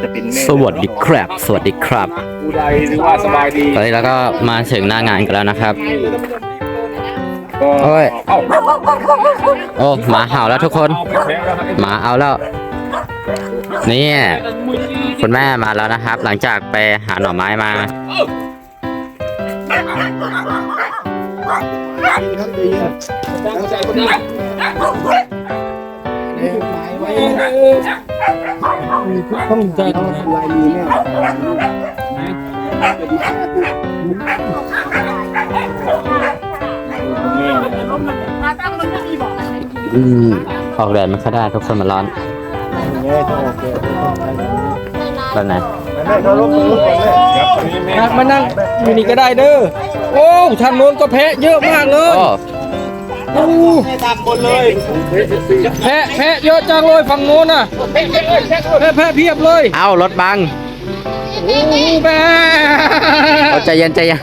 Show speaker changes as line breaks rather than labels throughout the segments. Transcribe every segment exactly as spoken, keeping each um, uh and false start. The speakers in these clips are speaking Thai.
จะเป็นแม่
สวัสดีครับสวัสดีครับ
ผู้ใดหรือว่าสบายดี
ตอนนี้เราก็มาถึงหน้างานกันแล้วนะครับ
ก็
โอ้ย
เอ้า
โอ้หมาเห่าแล้วทุกคน
เอาไปแพ้แล้วครับ
หมาเอาแล้วนี่คุณแม่มาแล้วนะครับ หลังจากไปหาหน่อไม้มา
ต้องใจลายมือแม่
อืมออกแดดไม่ค่อยได้ทุกคนมันร้อน
แม่ต้องโอเค
แบบไหน
แม่เขาลงมือก่อนเลย
ครับตอนนี้แม่
มานั่งอยู่นี่ก็ได้เด้อโอ้ทางโน้นก็แพะเยอะมากเลย
โอ้
โอ้แพะแพะเยอะจังเลยฝั่งโน้นน่ะแพะแพะเพียบเลย
เอารถบัง
โอ้แม่
เอาใจเย็นใจเย็น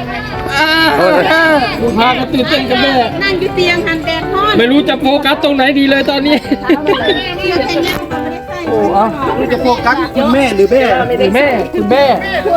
ดูพากันตื่นเต้นกันแม่
นั่งอยู่เตียงหันแดดฮอน
ไม่รู้จะโฟกัสตรงไหนดีเลยตอนนี้ โอ้อะนี่จะโฟกัสคุณแม่หรือแม่หรือแม่คุณแม่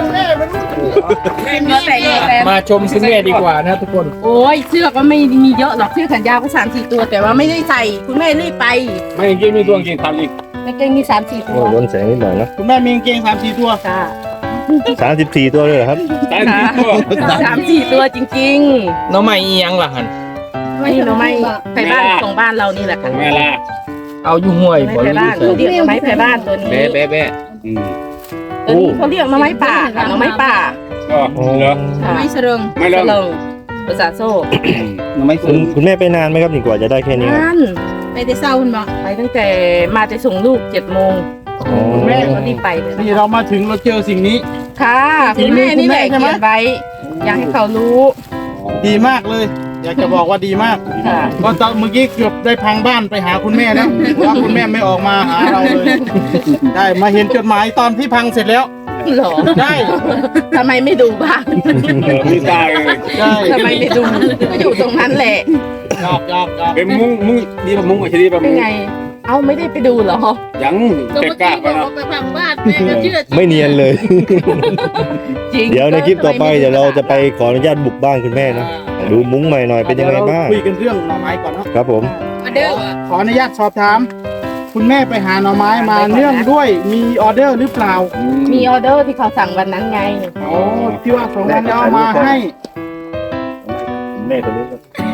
มาชมคุณแม่ดีกว่านะทุกคน
โอ้ยเสื้อก็ไม่มีเยอะหรอกเสื้อแขนยาวก็สามสี่ตัว แต่ว่าไม่ได้ใส่คุณแม่รีบไป
ไม่จริงมีตัวจริงทำอีก
กางเกงมีสามสี่ตัว
ล้นแสงนิดหน่อยนะ
คุณแม่มีกางเกงสามสี่ตัว
ค่ะ
สามสิบสี่ตัวเลยเหรอครับ
ตายจริงตัว
สามสี่ตัวจริง
น้องใหม่อียังล่ะฮัน
ๆไม่เราไม่ไปบ้านของบ้านเรานี่แหละค่ะ
แม่ล่ะ
เอาอยู่ห้วย
ไม่ไปบ้านเขาเรียกหน่อไม้ไปบ้านตัวนี้
แม่แม่แม่อืม
ตัวนี้เขาเรียกหน่อไม้ป่าค่ะหน่อไม้ป่า
ก็เหรอ
ค่ะไม่เสริง
ไม่เริง
สริงภาษาโซ่
ไม่
คุณคุณแม่ไปนานไหมครับนี่กว่าจะได้แค่นี้ครับ
นั่นไปแต่เศร้าคุณบอกไปตั้งแต่มาจะส่งลูกเจ็ดโมง
อ๋อ
แม่ก็รีบไปเลย
นี่เรามาถึงเราเจอสิ่งนี้
ค่ะคุณแม่นี่แหละ
คุณแม่ใช่ไหม
เขียนไว้ อยากให้เขารู้
ดีมากเลย อยากจะบอกว่าดีมาก
ค่ะ
ก็ตอนเมื่อกี้เกือบได้พังบ้านไปหาคุณแม่แล้วเพราะว่าคุณแม่ไม่ออกมาหาเราเลย ได้มาเห็นจดหมายตอนที่พังเสร็จแล้ว
หรอ
ได้
ทำไมไม่ดูบ้าง
เออมีตายเลย
ได้
ทำไมไม่ดูก็อยู่ตรงนั้นแหละ
ยอกยอกยอก
เป็นมุ้งมุ้งดีป่ะมุ้งอ่ะที่ดีป่ะ
เป็
มุ้
น
ง
ไง เอ้าไม่ได้ไปดูเหรอ
ยังเก็บกล้าไปนะ
ไปพังบ้านแม่ก็เชื่อ
ไม่เนียนเลย
จริง
เดี๋ยวในคลิปต่อไปเดี๋ยวเราจะไปขออนุญาตบุกบ้านคุณแม่นะดูมุ้งใหม่หน่อยเป็นยังไงบ้าง
คุยกันเรื่องหน่อไม้ก่อนเนาะ
ครับผม
มาเด้อ
ขออนุญาตสอบถาม คุณแม่ไปหาหน่อไม้มาเนื่องด้วยมีออเดอร์หรือเปล่า
มีออเดอร์ที่เขาสั่งวันนั้นไง
โอ้ที่ว่าสองวันแล้วเอามาให้
แม่คนนี้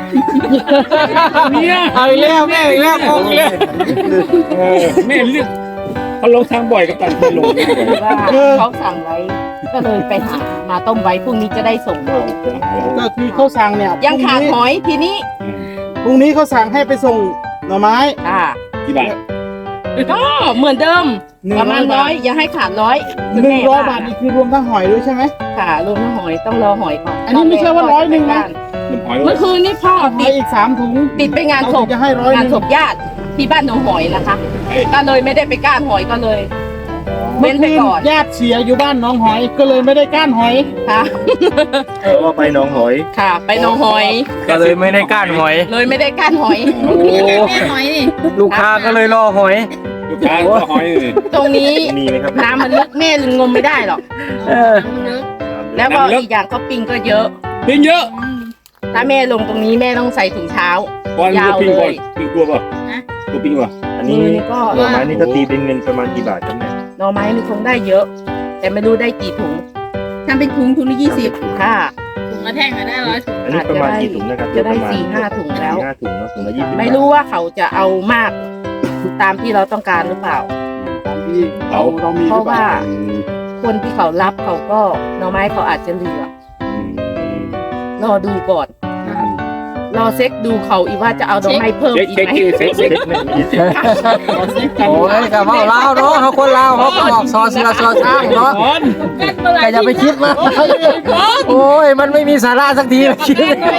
เนี่ย
เอาอีกแล้วแม่อีกแล้วงงอีกแล้ว
เออแม่เลือกเขาลงทางบ่อยกับตันไปลง
ว่าเขาสั่งไว้ ก็เลยไปหามาต้มไว้พรุ่งนี้จะได้ส่งเรา
ก็คือเขาสั่งเนี่ย
ยังขาดหอยทีนี้
พรุ่งนี้เขาสั่งให้ไปส่งหน่อไม้
อ่า
กี่บาท
ก็เหมือนเดิม
หนึ่ง
ประมาณ
ร้
ร้
อ
อย ยอย่าให้ขาดร้อย
หนึ่งร้อยบาทนี่คือรวมทั้งหอยด้วยใช่ไหม
ค่ะรวมทั้งหอยต้องรอหอยก่อน
อันนี้ไม่ใช่ว่าร้อยหนึ่งนะ
มันหอย
เมื่อคืนนี้พ่อ
หอ
ติ
ย
ด
อีกสามถุง
ติดไปงานศพ
เรจะให้ร้อยห
งาน
นึ่ง
ศพญาติที่บ้านหนองหอยนะคะก็เลยไม่ได้ไปก้านหอยก็เลย
เมื่
เว้
อน
ไป
คืน
ก่อน
ญาติเสียอยู่บ้านหน้องหอยก็เลยไม่ได้ก้านหอย
ค่ะ
เพราะว่าไปหนองหอย
ค่ะ ไปหนองหอย
ก็เลยไม่ได้ก้านหอย
เลยไม่ได้ก้านหอย
โอ้
หอยนี่
ลูกค้าก็เลยรอหอย
ลูกค้าก็หอยนี่
ตรงนี้
มีไหมครับ
น้ำมันลึกแม่ลึงงมไม่ได้หรอก
เออ
แล้วก็อีกอย่างก็ปิงก็เยอะ
ปิ้งเยอะ
ถ้าแม่ลงตรงนี้แม่ต้องใส่ถุงเท้า
ก่อน
ยาว
ปิ้งก่อน
เลย
ปิ้งกลัวป่ะตัวปิ้งป่ะ
อัน
มื
นี้
อนี่ก็
หน่อไม้นี่ถ้าตีเป็นเงินประมาณกี่บาทครับแม่
หน่อไม้นี่คงได้เยอะ แต่ไม่รู้ได้กี่ถุง
ทำเป็นถุงถุงละยี่สิบ
ค่ะ
ถุงละแท่งก็ได้ร้อยถุง
อันนี้ประมาณกี่ถุงนะครับ
จะได้
ประมาณ
สี่ห้าถุงแล้ว
สี่ห้าถุงเนาะถุงละยี่สิบ
ไม่รู้ว่าเขาจะเอามากตามที่เราต้องการหรือเปล่า
ตามที่เราเรามี
เพราะว่า
อืม
คนที่เขารับเขาก็หน่อไม้เขาอาจจะเหลือ
อืม
รอดูก่อน รอเซ็กดูเขาอีกว่าจะเอาหน่อไม้เพิ่ม
เช็ค
อีก
เช็ค
ไหม
เช็คเช็ค
โอ้ยกับว่าลาวเนาะเขาคนลาวเขาก็บอกซอสละซอสอ้างเนาะแต่อย่าไปคิดมากโอ้ยมันไม่มีสาระสักทีคิด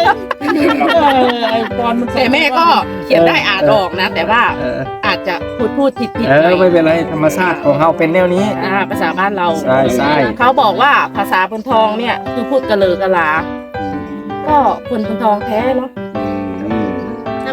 แต่แม่ก็เขียนได้อ่านออกนะ แต่ว่าอาจจะพูดพูดผิดผิด
เอ
หน่
อ
อย
ไม่เป็นไรธรรมชาติของเราเป็นแนวนี้
อ่าภาษาบ้านเรา
ใช่ใช่
เขาบอกว่าภาษาบนทองเนี่ยคือพูดกะเลอกะลา ก็คนบนทองแท้เนาะ
ถ้า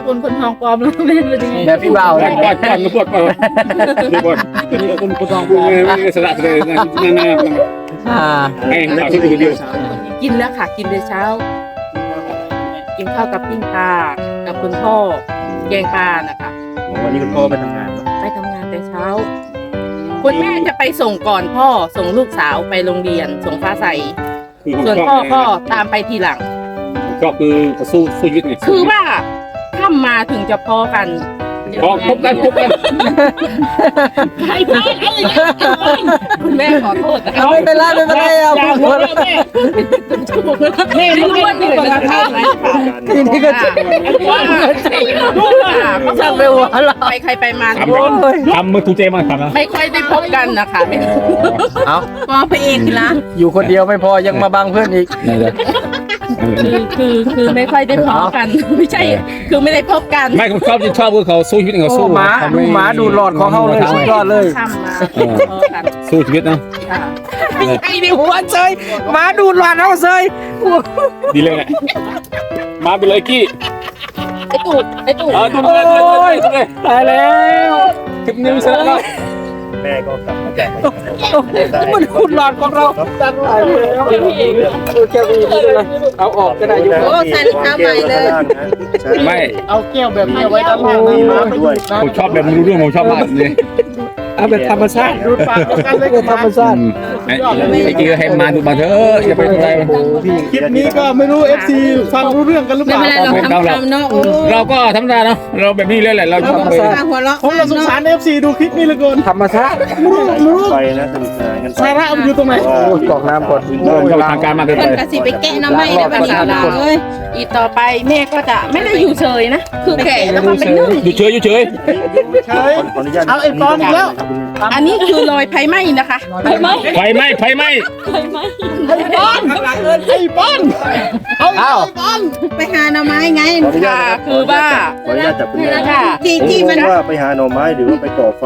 คนคนทองปลอมแล้วแม่เป็นยังไง
แบบพี่เบา
ป
เล
ล่อย ยปล่อยปล่อยปล่อยปล่อยปล่อยคนคนทองพูดเลยไม่สละเลยนะนั่นนั่น
อ่า
ไอ้เราที่ดูเดียว
กินแล้วค่ะ กินแต่เช้า กินข้าวกับปิ้งปลากับคุณพ่อแกงปลานะคะ
วันนี้คุณพ่อไปทำงานเนาะ
ไปทำงานแต่เช้า คุณแม่จะไปส่งก่อนพ่อส่งลูกสาวไปโรงเรียนส่งฟ้าใสส่วนพ่อก็ตามไปทีหลัง
ก็คือสู้สู้ชีวิตไง
คือว่าถ้ามาถึงจะพอกัน
พอพบกันพบกัน
ใครพลาดอะไรอย่างเงี้ยคุณแม่ขอโทษนะ
เอาไม่เป็นไรไม่เป็นไรเอา
อย่า
พู
หัว
ด
เราะแม่
แม่รู้ว่านี่เป็นการทำไหม
ทีนี้ก็จะ
ว่าเขาจะไปหัวเราไปใครไปมา
โอ้ย
ทำมือถูกใจมากครับนะ
ไม่ค่อยได้พบกันนะคะ
เอา
ปอพระเอกละ
อยู่คนเดียวไม่พอยังมาบังเพื่อนอีก
นั่นแหละ
คือคือคือไม่ค่อยได้พบกัน ไม่ใช่ คือไม่ได้พบกัน
ไม่ผมชอบที่ชอบคือเขาสู้ชีวิตเขา
โอ้
สู้
หมาดูหมาดูหลอดของเขาเลยสุดยอดเลย
ข้ามมาพบกัน
สู้ชีวิตนะ
ค่ะ
ไอ้นี่หัวเซยหมาดูหลอดเขาเซย
ดีเลยแหละมาไปเลยกี้
ไอ้ตูดไอ้ตูด
เออตุ้มเลยตุ้มเลยตุ้มเลย
ตายแล้ว
คลิปนี้เสร็จแล้ว
แม่ก็กลับมาจากไป
มันขุดหลอดของเราตายแล้วแก้วนี้เลยเอาออกก็ได้อยู่
โอ้ใส่รองเท้าใหม่เลย
ไม่
เอาแก้วแบบนี้ไว้ด้านล่าง
มีมาด้วย
ผมชอบแบบรู้เรื่องผมชอบมากเลย
เอาแบบธรรมชาติดูปากกันเลยธรรมชาติ
ไอ้ไอ้กี้ก็ให้มาดูมาเถอะอย่าไปอะไร
คลิปนี้ก็ไม่รู้ เอฟ ซี ฟังรู้เรื่องกันหรือเป
ไม่
ล่า
เป็นไรเราทำทำเนาะโอ้
เราก็ธรรมดาเนาะเราแบบนี้เลยแหละเราชอบไป
หัวเราะ
ผมเราสงสาร เอฟ ซี ดูคลิปนี้เหลือเกินธรรมชาติรู้รู้
ไปนะสนุกสนานกัน
สาระมันอยู่ตรงไหนโอ้ยกรอกน้ำก่อน
เราทางการมากเกิน
เพิ่
ไป
นกะสิไปแกะน้ำไม้ได้บัดนี้ล่ะเอ้ย
อีกต่อไปแม่ก็จะไม่ได้อยู่เฉยนะ คือแก่แล้วก็เป็นนึ่ง
อยู่เฉยอยู่เฉย
เฉย
ขออนุญาต
เอาไอ้ปอนอีกแล้ว
อันนี้คือรอยไฟไหม้นะคะไฟไหม้
ไฟไหม้ไฟไหม้
ไอ้ปอนไอ้ปอนเอาเอา
ไปหาหน่อไม้ไง
ขออนุญา
ค่ะ
ต
คือว่า
ขออนุญาตจับคุณแม่
ค่ะ
ที่ที่มัน
ว่าไปหาหน่อไม้หรือว่าไปก่อไฟ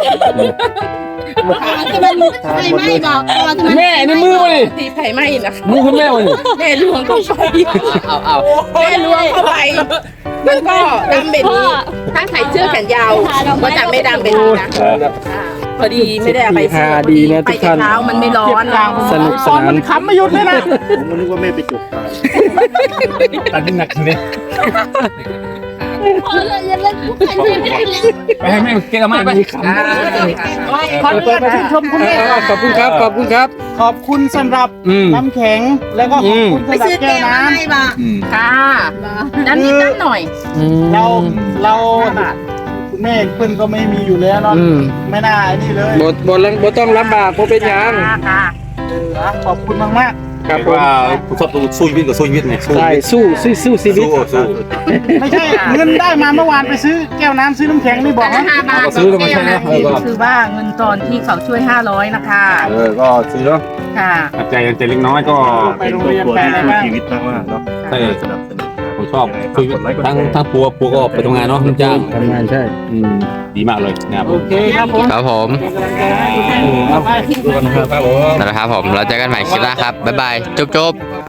ที่มันไฟไหม้บอกตัวที่มัน
แม่ในมือมาดิ
ที่ไฟไหม้นะคะ
มือคุณแม่มาดิ
แม่ล้วงเข้าไป
เอาเอา
แม่ล้วงเข้าไปมันก็ดำเป็นนี้ถ้าใส่เสื้อแขนยาวก็จะไม่ดำเป็นนี้นะอ่าพอดีไม่ได้เอาไปเสื้อพอดีไปแต่เช้ามันไม่ร้อน
สนุกสนานขำไม่หยุดเลยนะ
ผมก็นึกว่าแม่ไปจุดไฟ
ตัดที่หนักเลยไปให้แม่เกล้ามาไป
อ่า
ขอบคุณชื่นชมคุณแม่ขอบคุณครับขอบคุณครับ ขอบคุณสำหรับ
อืม
น้ำแข็งแล้วก็ขอบคุณ
ไป
สำหรับ
ซื้อ
แก้
แก้
ว
ว
น้
น้ำไม้บอก
ค่ะด้านนี้ด้านหน่อย
ำเราเราคุณแม่เพื่อนก็ไม่มีอยู่แล้วเนาะไม่น่าไอ้นี่เลยบทบทบทต้องลำบากเพราะเป็นยัง
ค่ะ
เออขอบคุณมากมาก
ครับว่าผมชอบสู้ชีวิตกับสู้ชีวิตไงสู้
ใช่สู้สู้สู้ชีวิต
สู้สู้
ไม่ใช่เงินได้มาเมื่อวานไปซื้อแก้วน้ำซื้อน้ำแข็งนี่บอกว่า
ห้าบาท
ก็ซื้อแล้วมันใช่ไหมเออก็
คือว่าเงินตอนที่เขาช่วยห้าร้อยนะคะ
เออก็ซื้อแล้ว
ค่ะ
ใจใจเล็กน้อยก็
เป็นครอบครัวที่สู้ชีวิตมากๆเนาะ
ใช่
สนับสนุน
ผมชอบชีวิตทั้งทั้งปัวปัวก็ไปทำงานเนาะลูกจ้าง
ทำงานใช่
อืมดีมากเลยนะครับ
โอเคครับผม
ครับผม
เอาไป
ดูกันนะครับผม
นะครับผม เราเจอกันใหม่คลิปหน้าครับ บ๊ายบาย จุ๊บจุ๊บ